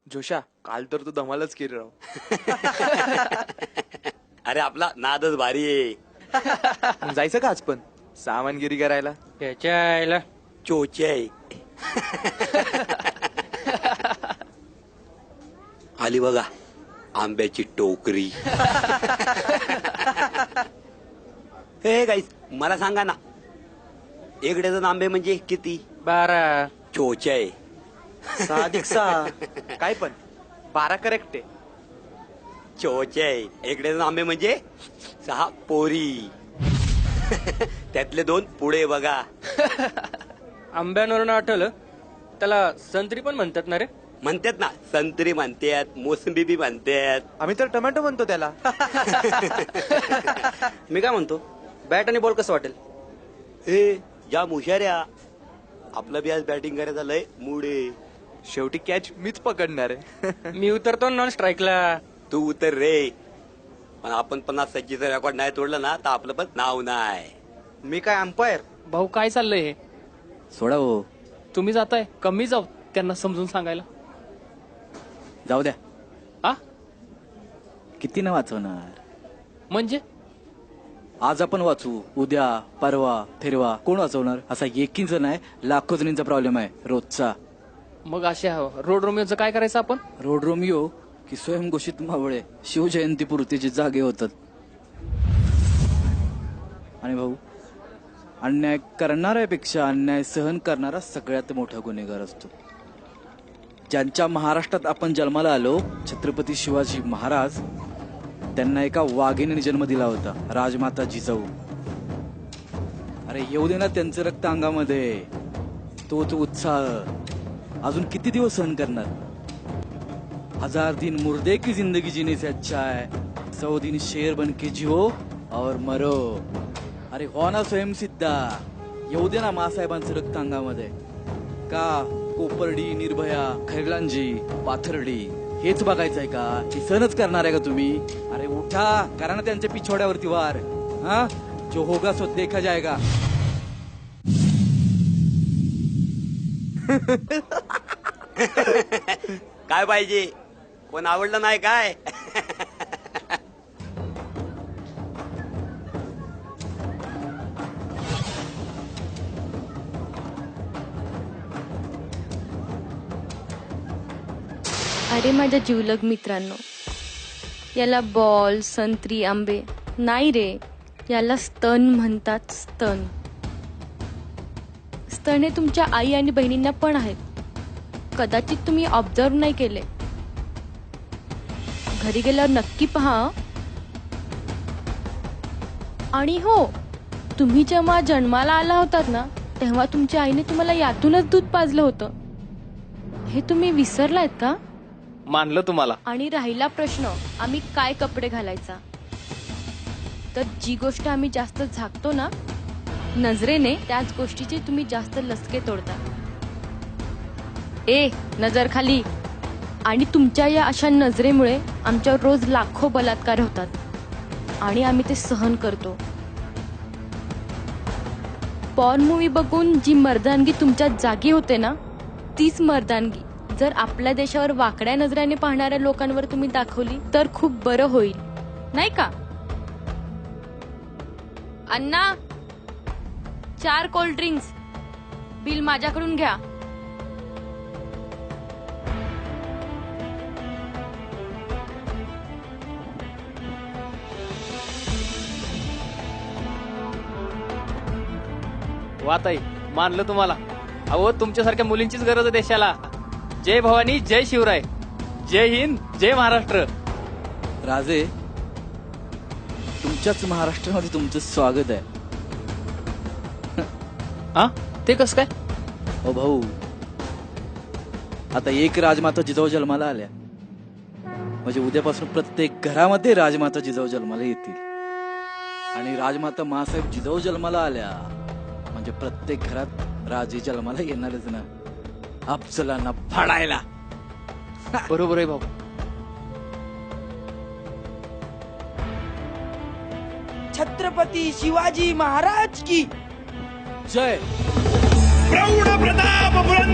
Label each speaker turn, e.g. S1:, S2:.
S1: जोशा, काल तर तू धमालच केली राव.
S2: अरे आपला नादच भारी आहे.
S1: मग जायचं का आज पण सामानगिरी करायला?
S3: त्याच्या आईला
S2: चोचे आहे. आली बघा आंब्याची टोकरी. हे गाईस मला सांगा ना, एक डझन आंबे म्हणजे किती?
S3: 12.
S2: चोचे आहे.
S1: 6 काय पण 12 करेक्ट आहे.
S2: चोचे आहे. एक डझन आंबे म्हणजे 6 पोरी. त्यातले 2 पुढे बघा.
S3: आंब्यांवरून आठवलं, त्याला संत्री पण म्हणतात ना रे?
S2: म्हणतात ना, संत्री म्हणतात, मोसंबी बी म्हणतात.
S1: आम्ही तर टोमॅटो म्हणतो त्याला.
S3: मी काय म्हणतो, बॅट आणि बॉल कसं वाटेल?
S2: हे या मुशाऱ्या, आपलं बी आज बॅटिंग करायचं लय मूड आहे.
S1: शेवटी कॅच मीच पकडणार आहे.
S3: मी उतरतो नॉन स्ट्राईकला.
S2: तू उतर रे, पण आपण 50 सज्जीचं रेकॉर्ड नाही तोडलं ना तर आपलं पण नाव नाही.
S1: मी काय अंपायर?
S4: भाऊ काय चाललंय हे?
S5: सोडा हो,
S4: तुम्ही जाताय, कमी जाऊ त्यांना समजून सांगायला.
S5: जाऊ द्या.
S4: आ
S5: किती ना वाचवणार?
S4: म्हणजे
S5: आज आपण वाचू, उद्या परवा फिरवा कोण वाचवणार? असा एकींच नाही, लाखो जणींचा प्रॉब्लेम आहे रोजचा.
S4: मग अशा रोड रोमिओचं काय करायचं आपण?
S5: रोड रोमिओ की स्वयंघोषित मावळे शिवजयंतीपुरतीचे जागे होतात. आणि भाऊ, अन्याय करणाऱ्यापेक्षा अन्याय सहन करणारा सगळ्यात मोठा गुन्हेगार असतो. ज्यांच्या महाराष्ट्रात आपण जन्माला आलो, छत्रपती शिवाजी महाराज, त्यांना एका वाघिणीने जन्म दिला होता, राजमाता जिजाऊ. अरे येऊ दे ना त्यांचं रक्त अंगामध्ये, तोच उत्साह अजून किती दिवस सहन करणार? 1000 दिन मुर्दे की जिंदगी जीने से अच्छा है 100 दिन शेर बन के जियो और मरो. अरे हो ना स्वयंसिद्धा, येऊ दे ना मासाहेबांचं रक्त अंगामध्ये. का कोपर्डी, निर्भया, खैरलांजी, पाथर्डी हेच बघायचंय का? हे सहनच करणार आहे का तुम्ही? अरे उठा, करा ना त्यांच्या पिछोड्यावरती वार. हा, जो होगा सो देखा जाएगा.
S2: काय पाहिजे? कोण आवडलं नाही काय?
S6: अरे माझ्या जिवलग मित्रांनो, याला बॉल, संत्री, आंबे नाही रे, याला स्तन म्हणतात. स्तन स्तन हे तुमच्या आई आणि बहिणींना पण आहेत. कदाचित तुम्ही ऑब्झर्व नाही केले. घरी गेल्यावर नक्की पहा. आणि हो, तुम्ही जेव्हा जन्माला आला होतात ना, तेव्हा तुमच्या आईने तुम्हाला यातूनच दूध पाजलं होतं. हे तुम्ही विसरलायत का?
S4: मानलं तुम्हाला.
S6: आणि राहिला प्रश्न, आम्ही काय कपडे घालायचा, तर जी गोष्ट आम्ही जास्त झाकतो ना नजरेने, त्याच गोष्टीचे तुम्ही जास्त लचके तोडता. ए नजर खाली. आणि तुमच्या या अशा नजरेमुळे आमच्यावर रोज लाखो बलात्कार होतात आणि आम्ही ते सहन करतो. पॉर्न मूवी बघून जी मर्दानगी तुमच्या जागी होते ना, तीच मर्दानगी जर आपल्या देशावर वाकड्या नजरेने पाहणाऱ्या लोकांवर तुम्ही दाखवली तर खूप बरं होईल, नाही का? अण्णा, 4 कोल्ड ड्रिंक्स, बिल माझ्याकडून घ्या.
S4: वाताई, मानलं तुम्हाला. अहो, तुमच्यासारख्या मुलींचीच गरज आहे देशाला. जय भवानी, जय शिवराय, जय हिंद, जय महाराष्ट्र.
S5: राजे, तुमच्याच महाराष्ट्रामध्ये तुमचं स्वागत आहे.
S4: हा, ते कसं काय?
S5: ओ भाऊ, आता एक राजमाता जिजाऊ जन्माला आल्या म्हणजे उद्यापासून प्रत्येक घरामध्ये राजमाता जिजाऊ जन्माला येतील. आणि राजमाता मासाहेब जिजाऊ जन्माला आल्या म्हणजे प्रत्येक घरात राजे जन्माला येणारच ना, अफजलांना फाडायला.
S4: बरोबर आहे भाऊ.
S7: छत्रपती शिवाजी महाराज की
S5: जय.
S8: प्रौढ प्रताप